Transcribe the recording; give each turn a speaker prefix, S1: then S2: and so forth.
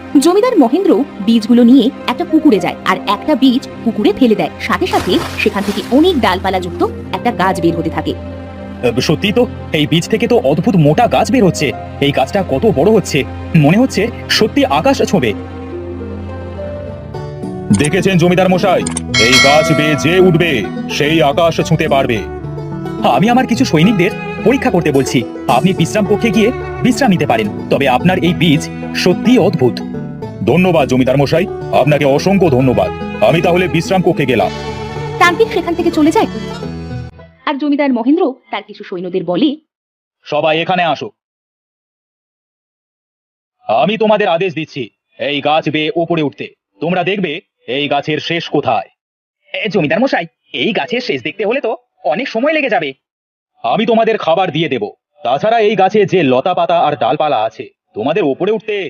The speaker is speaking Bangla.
S1: জমিদার মহেন্দ্র বীজগুলো নিয়ে একটা পুকুরে যায় আর একটা বীজ পুকুরে ফেলে দেয়। সাথে সাথে সেখান থেকে অনেক ডালপালা যুক্ত একটা গাছ বের হতে থাকে।
S2: সত্যি তো, এই বীজ থেকে তো অদ্ভুত মোটা গাছ বের হচ্ছে। এই গাছটা কত বড় হচ্ছে, মনে হচ্ছে সত্যি আকাশ ছোঁবে। দেখেছেন জমিদার মশাই, এই গাছ বেয়ে যে উঠবে সেই আকাশ ছুঁতে পারবে। আমি আমার কিছু সৈনিকদের পরীক্ষা করতে বলছি, আপনি বিশ্রাম কক্ষে গিয়ে বিশ্রাম নিতে পারেন। তবে আপনার এই বীজ সত্যি অদ্ভুত। ধন্যবাদ জমিদার মশাই, আপনাকে অসংখ্য ধন্যবাদ। আমি তাহলে বিশ্রাম কক্ষে গেলাম।
S1: তান্ত্রিক সেখান থেকে চলে যায় আর জমিদার মহেন্দ্র তার কিছু সৈন্যদের বলে,
S2: সবাই এখানে আসো। আমি তোমাদের আদেশ দিচ্ছি এই গাছ বেয়ে ওপরে উঠতে। তোমরা দেখবে এই গাছের শেষ কোথায়। জমিদার মশাই, এই গাছের শেষ দেখতে হলে তো অনেক সময় লেগে যাবে। আমি তোমাদের খাবার দিয়ে দেব। তাছাড়া এই গাছে যে লতা পাতা আর ডালপালা আছে, তোমাদের ওপরে উঠতে